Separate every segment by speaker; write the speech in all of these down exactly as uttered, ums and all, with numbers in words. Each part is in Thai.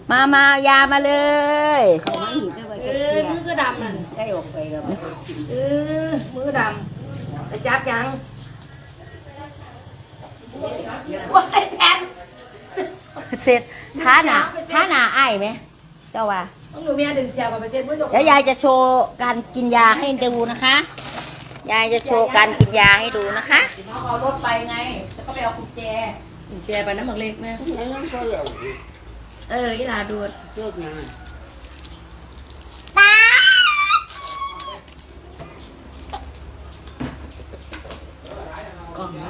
Speaker 1: มามายามาเลย
Speaker 2: เขาไม่หินได้ว่า
Speaker 3: เอ
Speaker 2: จะ
Speaker 3: อ
Speaker 2: เสีย
Speaker 3: มือก็ดำนั่น
Speaker 2: ได้ออกไปแล้ว
Speaker 3: เออมือดำไปจับยังว้ายแทน
Speaker 1: เสร็จท้าหนาท้าหนาไอ้ไหมเจ้าว่า
Speaker 3: ต้องหนูเมียดึงเสียบไปเซ็ตมือจก
Speaker 1: เดี๋ยวยายจะโชว์การกินยาให้ดูนะคะ ยายจะโชว์การกินยาให้ดูนะคะน้องเอารถไปไงแล้วก็ไปเอากุญแจ
Speaker 3: ดึงแจไปน้ำหมักเล็กแม่
Speaker 2: นั่นก็เหลว
Speaker 3: เอออีหลาดูด
Speaker 2: เลือกงาน
Speaker 3: กล่อง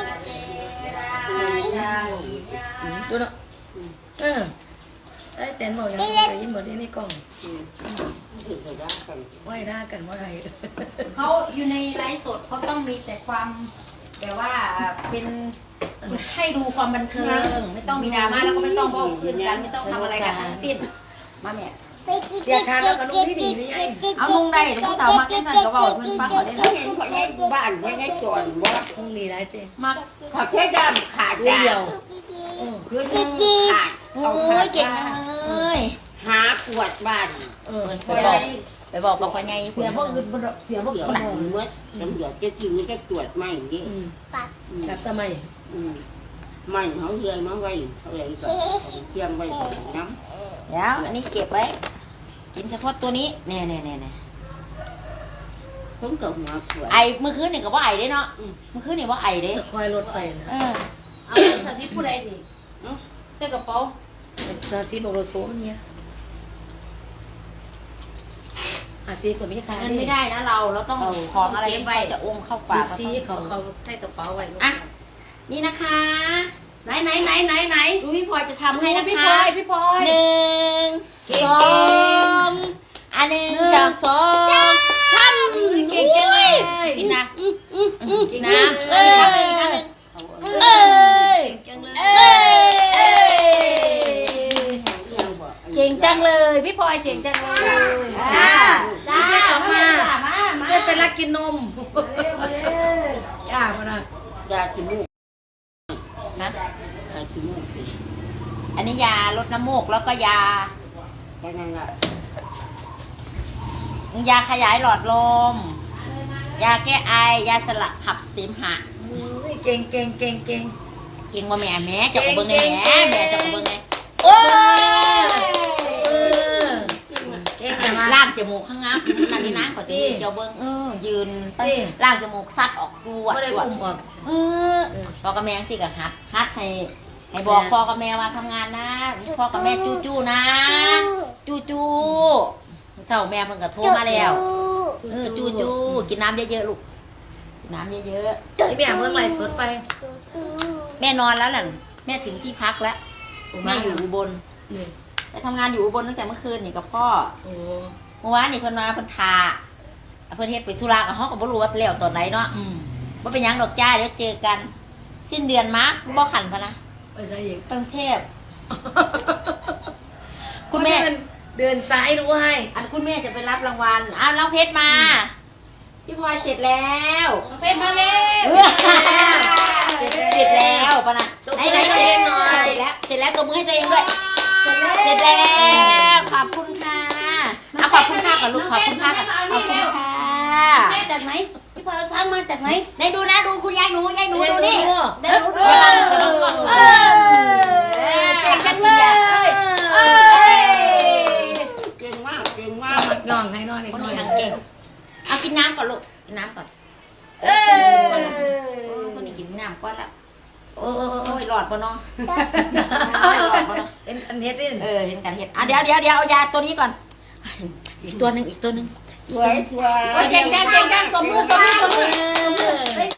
Speaker 3: ดูเนาะเออไอ้แตนบอกยังไงยิ้มบอกที่ในกล่อง
Speaker 2: ถือไปได้กัน
Speaker 3: ไหวหน้ากันว่าไร
Speaker 1: เขาอยู่ในไลฟ์สดเขาต้องมีแต่ความแบบว่าเป็นให้ดูความบันเทิงไม่ต้องมีดราม่าแล้วก็ไม่ต้องบอกคืนกันไม่ต้องทำอะไรกันทั้งสิ้นมาแม่
Speaker 3: เสียทางแล้วก็ลูกที่หนีไม่ใช่
Speaker 1: เอาลุงได้เดี๋ยวผู้สาวมักได้สั่นก็บอกเพื่อนฟังก่อนได้
Speaker 2: เขา
Speaker 1: เลย
Speaker 2: เห็นเขาแยกบ้านไม่ได้จอนว่า
Speaker 3: ต้องหนีได้เต้
Speaker 1: มัก
Speaker 2: เขาแค่ดำขาด
Speaker 3: เดียว
Speaker 2: เพื่อนยังขาด
Speaker 1: โอ้ยเก่งเลย
Speaker 2: หาขวดบ้าน
Speaker 3: เออ
Speaker 1: ไปบอกไปบอกบอกว่าไง
Speaker 3: เสียพวกอื่นเสียพวก
Speaker 2: เดี๋ยว
Speaker 3: อื่น
Speaker 2: เมื่อตำรวจจะจิ้มจะตรวจไม่ดิ
Speaker 3: จับทำไม
Speaker 2: ไม่เขาเรียนมาไว้เขาเลยก็เตรียมไว้น้ำ
Speaker 1: เดี๋ยวอันนี้เก็บไว้กินเฉพาะตัวนี้แน่แน่แน่แน่
Speaker 2: ผมกับหัวขวด
Speaker 1: ไอเมื่อคืนนี่ก็ว่าไอเด้เนาะเมื่อคืนนี่ว่าไอเด้
Speaker 3: คอยรถไปนะ
Speaker 1: เออ
Speaker 3: เอาสาธิตผู้ใดดิเจ้ากระเป๋าสาธิตบอกโรโซมันเนี่ยอาซีก็ไม่ใช่
Speaker 1: มันไม่ได้นะเราเราต้องของอะไรที่เขาจะอมเข้าปาก
Speaker 3: ซีเขาเขาใส่กระเป๋าไว้
Speaker 1: อ่ะนี่นะคะ
Speaker 3: ไหนไหนไหนไหนไหน
Speaker 1: ดูพี่พลอยจะทำให้นะคะ
Speaker 3: พี่พลอยพี่พลอย
Speaker 1: หนึ่งสองอันหนึ่งสองสองช้ำ
Speaker 3: เก่งเก่งเลย
Speaker 1: กินนะ
Speaker 3: กิน
Speaker 1: นะ
Speaker 3: นะ
Speaker 1: เอ้ยทำหนึ่งทำหนึ่ง
Speaker 3: เอ้ยเก่งเลย
Speaker 1: เอ้ยเก่งจังเลยพี่พลอยเก่งจังเลย
Speaker 3: จ้า
Speaker 1: จ้า
Speaker 3: จ้า
Speaker 1: ออกมามามา
Speaker 3: ไม่เป็นรักกินนมจ้ามานะ
Speaker 2: ยาขี้มูก
Speaker 1: นะ
Speaker 2: ยาขี้มูก
Speaker 1: อันนี้ยาลดน้ำมูกแล้วก็ยา
Speaker 2: แค่นั้นแหละ
Speaker 1: ยาขยายหลอดลม ยาแก้ไอ ยาสลับขับเสมหะ
Speaker 3: เก่งเก่งเก่งเก่ง
Speaker 1: จริงว่าแม่แม่จะกระเบื้องไง
Speaker 3: เก่ง
Speaker 1: แม่
Speaker 3: เก่ง
Speaker 1: แม่จะกระเบื้องไง
Speaker 3: โอ้ยเก่งจัง
Speaker 1: ล่างจมูกข้างงับนั่นนี่นะขอตีเจ้าเบิ้งเออยืนล่างจมูกซัดออกจวด
Speaker 3: ไม่ได้
Speaker 1: จวด
Speaker 3: คุมออก
Speaker 1: เออพ่อกับแม่สิกับฮัดฮัดให้ให้บอกพ่อกับแม่ว่าทำงานนะพ่อกับแม่จู้จู้นะ จู้จู้เจ้าแม่เพิ่งก็โทรมาแล้วเออจู้จู้กินน้ำเยอะๆลูกกินน้ำเยอะ
Speaker 3: ไอ้แม่เมื่อไหร่สดไป
Speaker 1: ๆแม่นอนแล้วน่ะแม่ถึงที่พักแล้วแม่อยู่อุบลไปทำงานอยู่อุบลตั้งแต่เมื่อคืนนี่กับพ่อ
Speaker 3: โอ้
Speaker 1: เมื่อวานนี่เพิ่นมาเพิ่นทาเพิ่นเฮ็ดไปธุระกับเฮาก็บ่รู้ว่าแล้วตอนไหนเนาะ
Speaker 3: อืม
Speaker 1: บ่เป็นหยังดอกจ้าเดี๋ยวเจอกัน สิ้นเดือนมาบ่ขันพะนะ
Speaker 3: ไปใส่อีก
Speaker 1: กรุงเทพคุณแม่
Speaker 3: เดินซ้ายด้วย
Speaker 1: อันคุณแม่จะไปรับรางวัลอ้าวน้องเพชรมาพี่พลอยเสร็จแล้วน้องเพชรมาแล้วเสร็จเสร็จแล้วปะนะไหนไหนเสร็จเสร็จแล้วเสร็จแล้วตัวมือให้ตัวเองด้วยเสร็จแล้วขอบคุณค่ะเอาขอบคุณค่ะกับลูกขอบคุณค่ะขอบคุณค่ะ
Speaker 3: แม่จากไหนพี่พลอยเอาช้างมาจากไหน
Speaker 1: ไหนดูนะดูคุณยายหนูยายหนูดูนี่
Speaker 3: เดี๋ยวดู
Speaker 1: เดี๋ยวเราจะลองก่อนเออเก่งจังเลย
Speaker 3: เอ้ย
Speaker 2: เก่งมากเก่งมาก
Speaker 3: ย่องให้นอนอีก
Speaker 1: คน
Speaker 3: หน่อ
Speaker 1: นี้
Speaker 3: ย
Speaker 1: ทางเก่งเอากินน้ำก่อนลูกกินน้ำก่อน
Speaker 3: เอ้ย
Speaker 1: คนนี้กินน้ำก่อนแล้ว
Speaker 3: โอ้โอ้
Speaker 1: โอ้ยหลอดปะน้อง
Speaker 3: เป็นอันเฮ็ดดิ
Speaker 1: เออเห็นกันเห็นอ่ะเดี๋ยวเดี๋ยวเดี๋ยวเอายาตัวนี้ก่อนอีกตัวหนึ่งอีกตัวหนึ่ง
Speaker 2: สวยสวย
Speaker 3: เก่งจังเก่งจังสมมือสมมือสมมือ